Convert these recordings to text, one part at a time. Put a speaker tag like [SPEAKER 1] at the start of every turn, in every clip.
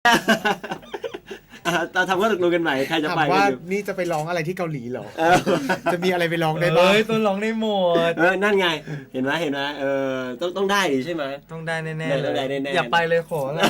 [SPEAKER 1] เราทำข้อตกลงกันใหม่ใครจะไป
[SPEAKER 2] ถามว่านี่จะไปร้องอะไรที่เกาหลีเหรอจะมีอะไรไปร้องได้บ้าง
[SPEAKER 3] ต้นร้องได้หมด
[SPEAKER 1] นั่นไงเห็นไหมต้องได้ดิใช่ไหม
[SPEAKER 3] ต้องได้แน่ๆ
[SPEAKER 1] ต้องได้แน่ๆ
[SPEAKER 3] อย่าไปเลยขอละ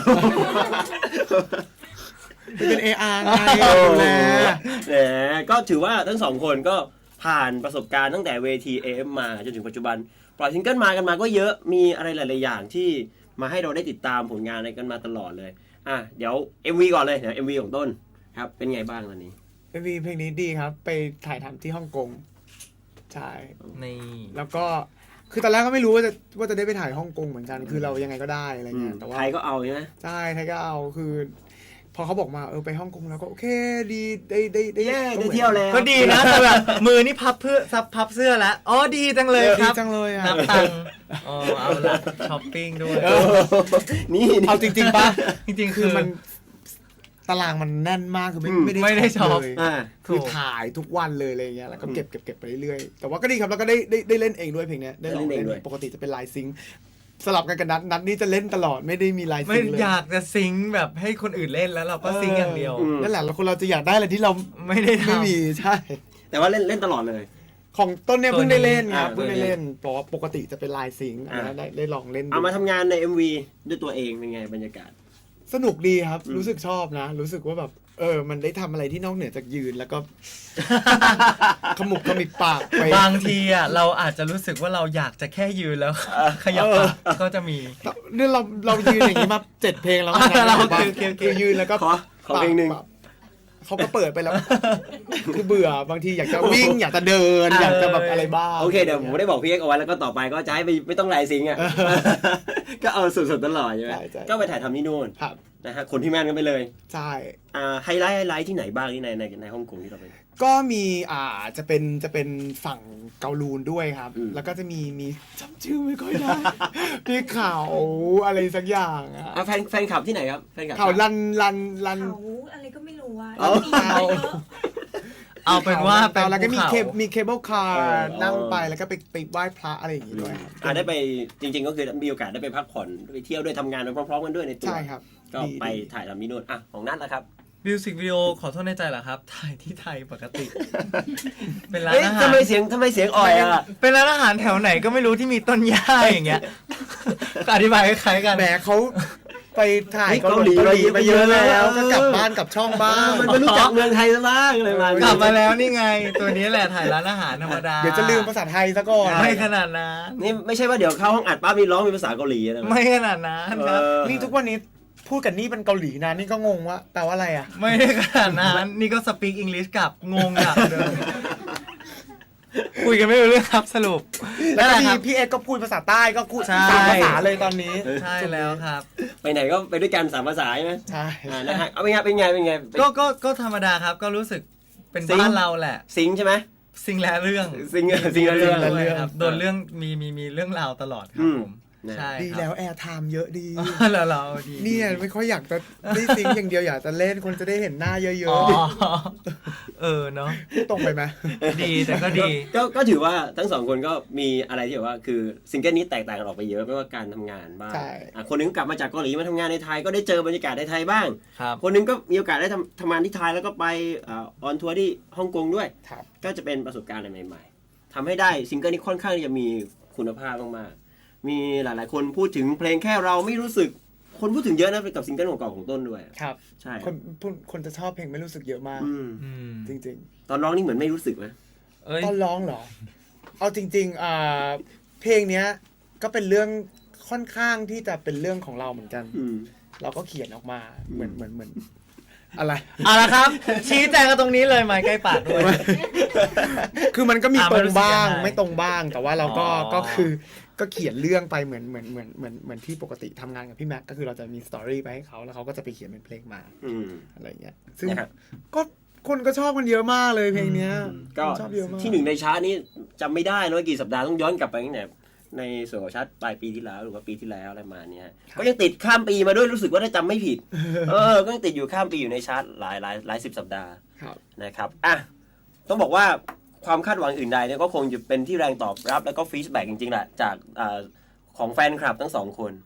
[SPEAKER 2] เป็น AR ไงดูแล
[SPEAKER 1] ก็ถือว่าทั้งสองคนก็ผ่านประสบการณ์ตั้งแต่เวที AM มาจนถึงปัจจุบันปล่อยซิงเกิลมากันมาก็เยอะมีอะไรหลายๆอย่างที่มาให้เราได้ติดตามผลงานอะไรกันมาตลอดเลยเดี๋ยว MV ก่อนเลยเดี๋ยว MV ของต้นครับเป็นไงบ้างตอนนี้
[SPEAKER 2] MV เพลงนี้ดีครับไปถ่ายทำที่ฮ่องกงใช่
[SPEAKER 3] นี่
[SPEAKER 2] แล้วก็คือตอนแรกก็ไม่รู้ว่าจะได้ไปถ่ายฮ่องกงเหมือนกันคือเรายังไงก็ได้อะไรเงี้ยแต่ว่า
[SPEAKER 1] ไทยก็เอาใช่ไหม
[SPEAKER 2] ใช่ไทยก็เอาคือพอเขาบอกมาไปฮ่องกงแล้วก็โอเคดีได้
[SPEAKER 1] เที่ยวแล้ว
[SPEAKER 3] ก็ดีนะแต่แบบมือนี่พับเสื้อแล้วอ๋อดีจังเลยครับ
[SPEAKER 2] ดีจังเลย
[SPEAKER 3] นับตังค์เอาละช้อปปิ้งด้วย
[SPEAKER 1] นี่
[SPEAKER 2] เอาจริงๆป่ะ
[SPEAKER 3] จริงๆ
[SPEAKER 2] คือมันตารางมันแน่นมากคือ
[SPEAKER 3] ไม่ได้ช็อป
[SPEAKER 2] เลยคือถ่ายทุกวันเลยอะไรเงี้ยแล้วก็เก็บไปเรื่อยๆแต่ว่าก็ดีครับแล้วก็ได้เล่นเองด้วยเพลงนี้ได้ร้องเองปกติจะเป็นไลน์ซิงค์สลับกันกับนัดนี่จะเล่นตลอดไม่ได้มีไลน์ซิงค์เลย
[SPEAKER 3] อยากจะซิงค์แบบให้คนอื่นเล่นแล้วเราก็ซิงค์อย่างเดียว
[SPEAKER 2] นั่นแหละแล้วคนเราจะอยากได้อะไรที่เรา
[SPEAKER 3] ไม่ได้
[SPEAKER 2] ไม่มีใช่
[SPEAKER 1] แต่ว่าเล่นตลอดเลย
[SPEAKER 2] ของต้นเนี่ยเพิ่งได้เล่นครับเพิ่งได้เล่นเพราะปกติจะเป็นไลน์ซิงค์ได้ลองเล่น
[SPEAKER 1] เอามาทำงานใน MV ด้วยตัวเองเป็นไงบรรยากาศ
[SPEAKER 2] สนุกดีครับรู้สึกชอบนะรู้สึกว่าแบบมันได้ทำอะไรที่นอกเหนือจากยืนแล้วก็ขมุบขมิบปากไป
[SPEAKER 3] บางทีเราอาจจะรู้สึกว่าเราอยากจะแค่ยืนแล้วขยับปากก็จะมี
[SPEAKER 2] เนี่ยเรายืนอย่างนี้มา7 เพลงแล้วนะ
[SPEAKER 3] เรา
[SPEAKER 2] คือยืนแล้วก็
[SPEAKER 1] ขอเพลงนึง
[SPEAKER 2] เขาก็เปิดไปแล้วคือเบื่อบางทีอยากจะวิ่งอยากจะเดินอยากจะแบบอะไรบ้าง
[SPEAKER 1] โอเคเดี๋ยวผมได้บอกพี่เอ็กเอาไว้แล้วก็ต่อไปก็จะให้ไม่ต้องไลน์ซิงค์ก็เอาสุดๆตลอดใช่ไหมก็ไปถ่ายทำที่นู่นนะฮะคนที่แม่นกันไปเลย
[SPEAKER 2] ใช่
[SPEAKER 1] ไฮไลท์ที่ไหนบ้างที่ในฮ่องกงที่เราไป
[SPEAKER 2] ก็มีจะเป็นฝั่งเกาลูนด้วยครับแล้วก็จะมีจำชื่อไม่ค่อยได้พี่เขาอะไรสักอย่าง
[SPEAKER 1] แฟนคลับที่ไหนครับแฟนคลับ
[SPEAKER 2] เขาลัน
[SPEAKER 4] เขาอะไรก็ไม่รู้ว่า
[SPEAKER 3] เอาเป็นว่า
[SPEAKER 2] แล้วก็มีเคเบิลคาร์นั่งไปแล้วก็ไปไหว้พระอะไรอย่างงี้ด้วย
[SPEAKER 1] ได้ไปจริงๆก็คือมีโอกาสได้ไปพักผ่อนไปเที่ยวด้วยทำงานไปพร้อมๆกันด้วยในตัว
[SPEAKER 2] ใช่ครับ
[SPEAKER 1] ก็ไปถ่ายทำที่นู่นของนัทนะครับ
[SPEAKER 3] มิวสิกวิดีโอขอโทษในใจเหรอครับถ่ายที่ไทยปกติเป็นร้านอาหาร
[SPEAKER 1] ทำไมเสียงอ่อย
[SPEAKER 3] เป็นร้านอาหารแถวไหนก็ไม่รู้ที่มีต้นหญ้าอย่างเงี้ยอธิบายคล้ายๆกัน
[SPEAKER 2] แหมเขาไปถ่ายเกาหลีมาเยอะแล้วก็กลับบ้านกับช่องบ้าง
[SPEAKER 1] มันไม่รู้จักเมืองไทยซะบ้างเลย
[SPEAKER 3] กลับมาแล้วนี่ไงตัวนี้แหละถ่ายร้านอาหารธรรมดา
[SPEAKER 2] เดี๋ยวจะลืมภาษาไทยซะก่อน
[SPEAKER 3] ไม่ขนาดนั้น
[SPEAKER 1] นี่ไม่ใช่ว่าเดี๋ยวเข้าห้องอัดป้ามีร้องมีภาษาเกาหลีนะ
[SPEAKER 3] ไม่ขนาดนั้นครับ
[SPEAKER 2] นี่ทุกวันนี้พูดกันนี่เป็นเกาหลีนะนี่ก็งงว่าแปลว่าอะไร
[SPEAKER 3] ไม่ได้ขนาดนั้นนี่ก็สปีกอังกฤษกับงงอ่ะคุยกันไม่รู้เรื่องครับสรุป
[SPEAKER 2] แล้วพี่เอ็กก็พูดภาษาใต้ก็พูด3 ภาษาเลยตอนนี้
[SPEAKER 3] ใช่แล้วครับ
[SPEAKER 1] ไปไหนก็ไปด้วยกัน3 ภาษาใช่ไหม
[SPEAKER 2] ใช่
[SPEAKER 1] นะฮะเอาเป็นไง
[SPEAKER 3] ก็ธรรมดาครับก็รู้สึกเป็นบ้านเราแหละ
[SPEAKER 1] ซิงใช่ไหม
[SPEAKER 3] ซิงแล้วเรื่อง
[SPEAKER 1] ซิงแล้วเรื่อง
[SPEAKER 3] ครับโดนเรื่องมีเรื่องราวตลอดครับผมใช่
[SPEAKER 2] ดีแล้วแอร์ไทม์เยอะดี
[SPEAKER 3] แล้วเราดี
[SPEAKER 2] เนี่ยไม่ค่อยอยากจะได้ซิงอย่างเดียวอยากจะเล่นคนจะได้เห็นหน้าเยอะ
[SPEAKER 3] ๆเนาะ
[SPEAKER 2] ตรงไปไหม
[SPEAKER 3] ดีแต่ก็ดี
[SPEAKER 1] ก็ถือว่าทั้ง2คนก็มีอะไรที่แบบว่าคือซิงเกิลนี้แตกต่างกันออกไปเยอะไม่ว่าการทำงานบ้างคนนึงกลับมาจากเกาหลีมาทำงานในไทยก็ได้เจอบรรยากาศในไทยบ้างคนนึงก็มีโอกาสได้ทำงานที่ไทยแล้วก็ไปออนทัวร์ที่ฮ่องกงด้วยก็จะเป็นประสบการณ์อะไรใหม่ๆทำให้ได้ซิงเกิลนี้ค่อนข้างจะมีคุณภาพมากๆมีหลายๆคนพูดถึงเพลงแค่เราไม่รู้สึกคนพูดถึงเยอะนะกับซิงเกิลเก่าๆของต้นด้วย
[SPEAKER 2] ครับ
[SPEAKER 1] ใช่
[SPEAKER 2] คนจะชอบเพลงไม่รู้สึกเยอะมากจริง
[SPEAKER 1] ๆตอนร้องนี่เหมือนไม่รู้สึกไหม
[SPEAKER 2] ตอนร้องเหรอเอาจริงๆเพลงเนี้ยก็เป็นเรื่องค่อนข้างที่จะเป็นเรื่องของเราเหมือนกันเราก็เขียนออกมาเหมือนอะไร
[SPEAKER 3] ละครับชี้แจงกันตรงนี้เลยไม้ใกล้ปากด้วย
[SPEAKER 2] คือมันก็มีตรงบ้างไม่ตรงบ้างแต่ว่าเราก็คือก็เขียนเรื่องไปเหมือนที่ปกติทำงานกับพี่แม็กก็คือเราจะมีสตอรี่ไปให้เขาแล้วเขาก็จะไปเขียนเป็นเพลงมาอะไรเงี้ยซึ่งก็คนก็ชอบกันเยอะมากเลยเพลงนี้
[SPEAKER 1] ก็ชอบเยอะมากที่1ในชาร์ตนี้จำไม่ได้นะว่ากี่สัปดาห์ต้องย้อนกลับไปตั้งแต่ในส่วนของชาร์ตปลายปีที่แล้วหรือว่าปีที่แล้วอะไรมาเนี้ยก็ยังติดข้ามปีมาด้วยรู้สึกว่าถ้าจำไม่ผิดก็ยังติดอยู่ข้ามปีอยู่ในชาร์ตหลาย10 สัปดาห์นะครับต้องบอกว่าความคาดหวังอื่นใดเนี่ยก็คงจะเป็นที่แรงตอบรับแล้วก็ฟีดแบ็กจริงๆแหละจากของแฟนคลับทั้ง2 คน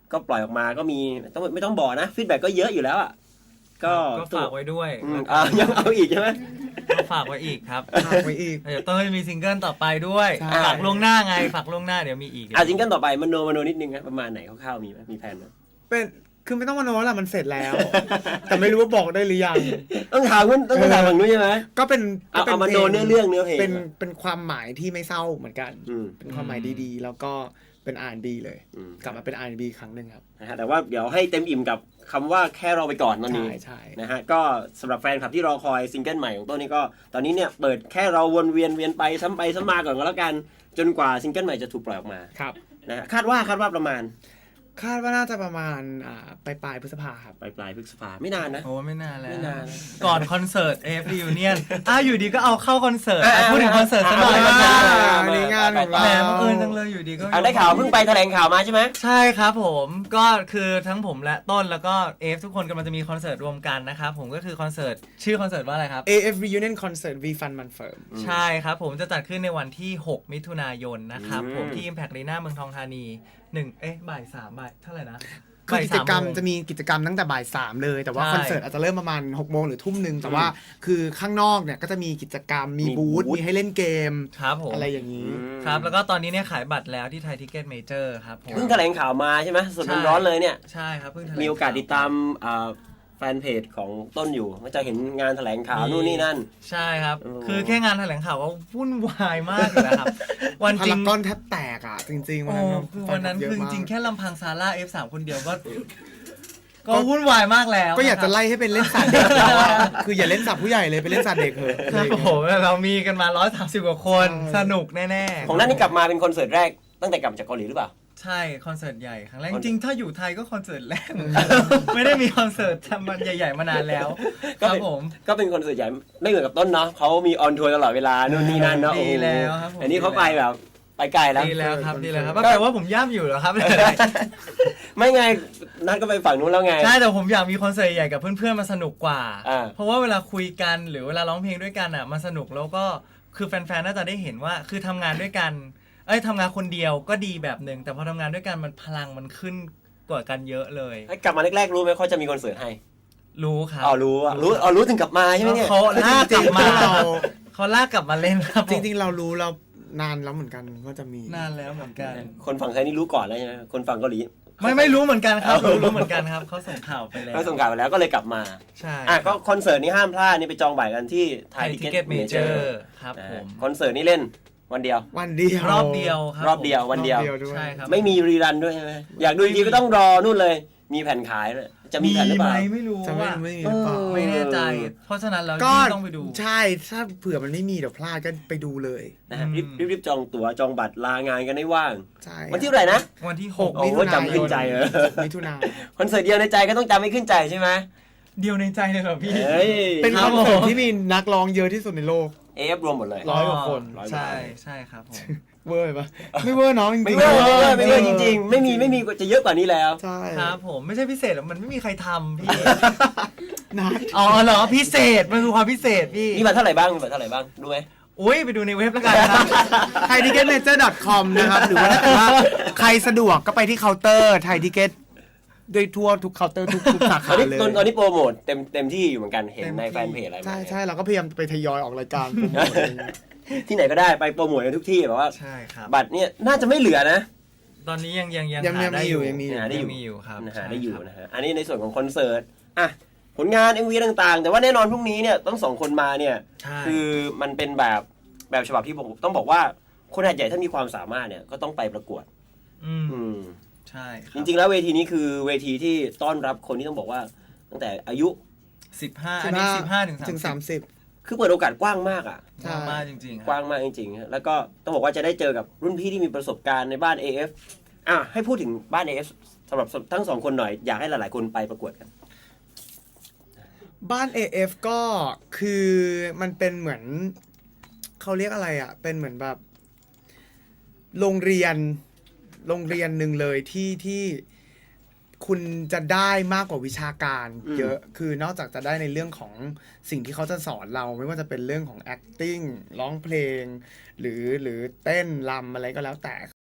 [SPEAKER 1] ก็ปล่อยออกมาก็มีไม่ต้องบอกนะฟีดแบ็กก็เยอะอยู่แล้วอ่ะก็
[SPEAKER 3] ฝากไว้ด้วย
[SPEAKER 1] ยังเอาอีกใช่ไหม
[SPEAKER 3] ก็ฝากไว้อีกครับ
[SPEAKER 2] ฝากไว้อีก
[SPEAKER 3] เดี๋ยวต้องมีซิงเกิลต่อไปด้วย
[SPEAKER 2] ใช่
[SPEAKER 3] ฝากล่วงหน้าไงฝากล่วงหน้าเดี๋ยวมีอีก
[SPEAKER 1] ซิงเกิลต่อไปมโนนิดนึงนะประมาณไหนคร่าวๆมีไหมมีแผนไหม
[SPEAKER 2] เป็นคือไม่ต้องมาโน้ละมันเสร็จแล้ว แต่ไม่รู้ว่าบอกได้หรือยัง
[SPEAKER 1] ต้องถามฝั่งนู้นใช่ไหม
[SPEAKER 2] ก็เป็น
[SPEAKER 1] เอามาโนเนื้อเรื่องเนื้อเพลง
[SPEAKER 2] เป็นความหมายที่ไม่เศร้าเหมือนกัน เป็นความหมายดีๆ แล้วก็เป็น R&B เลยกลับมาเป็น R&B ครั้งหนึ่งครับ
[SPEAKER 1] นะฮะแต่ว่าเดี๋ยวให้เต็มอิ่มกับคำว่าแค่รอไปก่อนตอนนี้
[SPEAKER 2] ใช่
[SPEAKER 1] นะฮะก็สำหรับแฟนคลับที่รอคอยซิงเกิลใหม่ของต้นนี้ก็ตอนนี้เนี่ยเปิดแค่เราวนเวียนไปซ้ำมาก่อนก็แล้วกันจนกว่าซิงเกิลใหม่จะถูกปล่อยออกมา
[SPEAKER 2] ครับ
[SPEAKER 1] นะฮะคาดว่าประมาณ
[SPEAKER 2] คาดว่าน่าจะประมาณปลายพฤษภาครับ
[SPEAKER 1] ปลายพฤษภาไม่นานนะ
[SPEAKER 3] โอ้ไม่นานแล้ว
[SPEAKER 1] ไม่นาน
[SPEAKER 3] ก่อนคอนเสิร์ต AF Reunion อยู่ดีก็เอาเข้าคอนเสิร์ตพูดถึงคอนเสิร์ตซะหน่อย
[SPEAKER 2] อันนี้งานของเรา
[SPEAKER 3] แหมบังเอิญจังเลยอยู่ดีก็
[SPEAKER 1] ได้ข่าวเพิ่งไปแถลงข่าวมาใช่ไหม
[SPEAKER 3] ใช่ครับผมก็คือทั้งผมและต้นแล้วก็ AF ทุกคนกำลังจะมีคอนเสิร์ตรวมกันนะครับผมก็คือคอนเสิร์ตชื่อคอนเสิร์ตว่าอะไรครับ
[SPEAKER 2] AF Reunion Concert V Fun Man Firm
[SPEAKER 3] ใช่ครับผมจะจัดขึ้นในวันที่ 6 มิถุนายนนะครับผมที่ Impact Arena เมืองทองธานีบ่าย 3 บ่ายเท่าไหร่นะ
[SPEAKER 2] คือกิจกรรมจะมีกิจกรรมตั้งแต่บ่าย 3เลยแต่ว่าคอนเสิร์ตอาจจะเริ่มประมาณ 6 โมงหรือทุ่มนึงแต่ว่าคือข้างนอกเนี่ยก็จะมีกิจกรรมมีบูธมีให้เล่นเกม
[SPEAKER 3] ครับผม
[SPEAKER 2] อะไรอย่างนี้
[SPEAKER 3] ครับแล้วก็ตอนนี้เนี่ยขายบัตรแล้วที่ไทยทิกเก็ตเมเจอร์ครับผม
[SPEAKER 1] เพิ่งแถลงข่าวมาใช่ไหมสดร้อนๆเลยเนี่ย
[SPEAKER 3] ใช่ครับเพิ่งแถลง
[SPEAKER 1] มีโอกาสติดตามแฟนเพจของต้นอยู่ก็จะเห็นงานแถลงข่าวนู่นนี่นั่น
[SPEAKER 3] ใช่ครับ
[SPEAKER 1] โอ้
[SPEAKER 3] คือแค่งานแถลงข่าวก็วุ่นวายมากเลยนะครับ วัน
[SPEAKER 2] พา
[SPEAKER 3] จริ
[SPEAKER 2] ราง กอนแทบแตกอ่ะจริงๆ
[SPEAKER 3] โอ้คือวันนั้นคือจริงๆ
[SPEAKER 2] แค่
[SPEAKER 3] แค่ลำพังซาร่า F3 คนเดียวก็วุ่นวายมากแล้ว
[SPEAKER 2] ก็อยากจะไล่ให้เป็นเล่นสัตว์เด็กแล้วอะคืออย่าเล่นสัตว์ผู้ใหญ่เลยไปเล่นสัตว์เด็กเถอะ
[SPEAKER 3] ครับผมเรามีกันมา130 กว่าคน สนุกแน่ๆ
[SPEAKER 1] ของนั่นนี่กลับมาเป็นคอนเสิร์ตแรกตั้งแต่กลับจากเกาหลีหรือเปล่า
[SPEAKER 3] ใช่คอนเสิร์ตใหญ่ครั้งแรกจริงๆถ้าอยู่ไทยก็คอนเสิร์ตแรกเหมือนกัน ไม่ได้มีคอนเสิร์ตทำมันใหญ่ๆมานานแล้วครับผม
[SPEAKER 1] ก็เป็นคอนเสิร์ตใหญ่ไม่เหมือนกับต้นเนาะเขามีออนทัวร์ตลอดเวลานู่นนี่นั่นเนาะ
[SPEAKER 3] ดีแล้วครับผม
[SPEAKER 1] อันนี้เขาไปแบบไปไกลแล้ว
[SPEAKER 3] ดีแล้วครับดีแล้วครับแปลว่าผมย่ำอยู่เหรอครับ
[SPEAKER 1] ไม่ไงนัดก็ไปฝั่งนู้นแล้วไง
[SPEAKER 3] ใช่แต่ผมอยากมีคอนเสิร์ตใหญ่กับเพื่อนๆมาสนุกกว่า
[SPEAKER 1] อ่า
[SPEAKER 3] เพราะว่าเวลาคุยกันหรือเวลาร้องเพลงด้วยกันอ่ะมันสนุกแล้วก็คือแฟนๆน่าจะได้เห็นว่าคือทำงานด้วยกันทำงานคนเดียวก็ดีแบบหนึ่งแต่พอทำงานด้วยกันมันพลังมันขึ้นกว่ากันเยอะเลย
[SPEAKER 1] กลับมาแรกๆรู้ไหมเขาจะมีคอนเสิร์ตให้
[SPEAKER 3] รู้ครับ
[SPEAKER 1] รู้ถึงกลับมาใช่ไหมเนี่ย
[SPEAKER 3] เขาลากกลับมา
[SPEAKER 2] เรา
[SPEAKER 3] เขาลากกลับมาเล่นครับผม
[SPEAKER 2] จริงๆเรารู้เรานานแล้วเหมือนกันว่าจะมี
[SPEAKER 3] นานแล้วเหมือนกัน
[SPEAKER 1] คนฝั่งไทยนี่รู้ก่อนแล้วใช่ไหมคนฝั่งเกาหลี
[SPEAKER 3] ไม่รู้เหมือนกันครับรู้เหมือนกันครับเขาส่งข่าวไปแล้ว
[SPEAKER 1] เขาส่งข่าวไปแล้วก็เลยกลับมา
[SPEAKER 3] ใช่
[SPEAKER 1] ก็คอนเสิร์ตนี้ห้ามพลาดนี่ไปจองบัตรกันที่ไท
[SPEAKER 3] ไท
[SPEAKER 1] ย
[SPEAKER 3] ย
[SPEAKER 1] ทิ
[SPEAKER 3] ทิ
[SPEAKER 1] เก็
[SPEAKER 3] เก็
[SPEAKER 1] ต
[SPEAKER 3] ต
[SPEAKER 1] เม
[SPEAKER 3] เม
[SPEAKER 1] เจ
[SPEAKER 3] เจ
[SPEAKER 1] อ
[SPEAKER 3] อ
[SPEAKER 1] ร์
[SPEAKER 3] ร์ครับผม
[SPEAKER 1] คอนเสิร์ตนี้เล่นวันเดียว
[SPEAKER 2] วันเดียว
[SPEAKER 3] รอบเดียวครับ
[SPEAKER 1] รอบเดียววันเดียว
[SPEAKER 2] ด้วย
[SPEAKER 3] ใช่ครับ
[SPEAKER 1] ไม่มีรีรันด้วยใช่ไหมอยากดูจริงๆก็ต้องรอนู่นเลย มีแผ่นขายเลยจะมีแผ่นหรือเปล่า
[SPEAKER 3] ไม่รู้
[SPEAKER 2] จะไม่
[SPEAKER 3] ว่า
[SPEAKER 2] ไม่มีหรือเปล่า
[SPEAKER 3] ไม่แน่ใจ เพราะฉะนั้นเรา
[SPEAKER 2] ก็
[SPEAKER 3] ต้องไปดู
[SPEAKER 2] ใช่ถ้าเผื่อมันไม่มีเดี๋ยวพลาดก็ไปดูเลย
[SPEAKER 1] นะฮะรีบจองตั๋วจองบัตรลางานกันได้ว่าง
[SPEAKER 2] ใช่
[SPEAKER 1] วันที่เท่าไหร่นะ
[SPEAKER 3] วันที่
[SPEAKER 2] 6
[SPEAKER 1] โอ้
[SPEAKER 2] มิ
[SPEAKER 1] โห
[SPEAKER 2] ถุนายน
[SPEAKER 1] จำขึ้นใจเลย
[SPEAKER 2] มิถุนายน
[SPEAKER 1] คอนเสิร์ตเดียวในใจก็ต้องจำไม่ขึ้นใจใช่ไหม
[SPEAKER 3] 6 เดียวในใจเลยเหรอพี่
[SPEAKER 1] เฮ้ย
[SPEAKER 2] เป็น
[SPEAKER 3] ค
[SPEAKER 2] ครับ อนเสิร์ต
[SPEAKER 3] ผม
[SPEAKER 2] ที่มีนักร้องเยอะที่สุดในโลก
[SPEAKER 1] เอฟรวมหมดเลย
[SPEAKER 2] ร้อยกว่าคน
[SPEAKER 3] ใช่ใช่ครับผม
[SPEAKER 2] เวอร์ปะไม่เวอร์น้องจริงๆ
[SPEAKER 1] ไม่เวอร์ไม่เวอร์จริงๆ ไม่มีจะเยอะกว่านี้แล้ว
[SPEAKER 2] ใช่
[SPEAKER 3] ครับผมไม่ใช่พิเศษหรอกมันไม่มีใครทำพี่
[SPEAKER 2] นัด
[SPEAKER 3] อ๋อเหรอพิเศษมันคือความพิเศษพี่
[SPEAKER 1] มีบัตรเท่าไหร่บ้างดูไหม
[SPEAKER 3] อุ้ยไปดูในเว็บแล้วกันครับ
[SPEAKER 2] thaitickettmajor.com นะครับ หรือว่าถ้าเกิดว่าใครสะดวกก็ไปที่เคาน์เตอร์ไทยทิเก็ตด้วยทั่วทุกเคาน์เตอร์ทุกสา
[SPEAKER 1] ต
[SPEAKER 2] ขา
[SPEAKER 1] อนนี้
[SPEAKER 2] เลย
[SPEAKER 1] ตอนนี้โปรโมทเต็มที่อยู่เหมือนกันเห็น
[SPEAKER 3] เต็ม
[SPEAKER 1] ใน
[SPEAKER 3] ที่
[SPEAKER 1] แฟนเพจอะไร
[SPEAKER 2] ใช่ใช่เราก็พยายามไปทยอยออกรายการโปรโมทอะไรเงี้ย
[SPEAKER 1] ที่ไหนก็ได้ไปโปรโมทในทุกที่แบบว่า
[SPEAKER 3] ใช่ครับ
[SPEAKER 1] บัตรเนี่ยน่าจะไม่เหลือนะ
[SPEAKER 3] ตอนนี้ยัง
[SPEAKER 2] ยัง
[SPEAKER 3] หาได้
[SPEAKER 2] มีอยู่ยังมี
[SPEAKER 1] หาได้อยู่
[SPEAKER 3] ยังมีอยู่ครับ
[SPEAKER 1] หาได้อยู่
[SPEAKER 3] ใช่ครับ
[SPEAKER 1] นะฮะอันนี้ในส่วนของคอนเสิร์ตอ่ะผลงาน MV ต่างๆ แต่ว่าแน่นอนพรุ่งนี้เนี่ยต้องสองคนมาเนี่ย
[SPEAKER 3] ใช่
[SPEAKER 1] คือมันเป็นแบบฉบับที่ผมต้องบอกว่าคนหาดใหญ่ถ้ามีความสามารถเนี่ยก็ต้องไปประกวด
[SPEAKER 3] อืม
[SPEAKER 1] อืม
[SPEAKER 3] ใช่ค
[SPEAKER 1] จ
[SPEAKER 3] รับ
[SPEAKER 1] ริงๆแล้วเวทีนี้คือเวทีที่ต้อนรับคนที่ต้องบอกว่าตั้งแต่อายุ
[SPEAKER 3] 15อันนี้15
[SPEAKER 2] ถึง
[SPEAKER 3] 30
[SPEAKER 2] 30
[SPEAKER 1] คือเปิดโอกาสกว้างมากอ่ะ
[SPEAKER 2] ใช่
[SPEAKER 3] มากจริงๆค
[SPEAKER 1] ก
[SPEAKER 3] รับ
[SPEAKER 1] ว้างมากจริงๆฮะแล้วก็ต้องบอกว่าจะได้เจอกับรุ่นพี่ที่มีประสบการณ์ในบ้าน AF ให้พูดถึงบ้าน AF สำหรับทั้งสองคนหน่อยอยากให้หลายๆคนไปประกวดกัน
[SPEAKER 2] บ้าน AF ก็คือมันเป็นเหมือนเขาเรียกอะไรอ่ะ เป็นเหมือนแบบโรงเรียนหนึ่งเลยที่คุณจะได้มากกว่าวิชาการเยอะ คือนอกจากจะได้ในเรื่องของสิ่งที่เขาจะสอนเราไม่ว่าจะเป็นเรื่องของ acting ร้องเพลง หรือเต้นรำอะไรก็แล้วแต่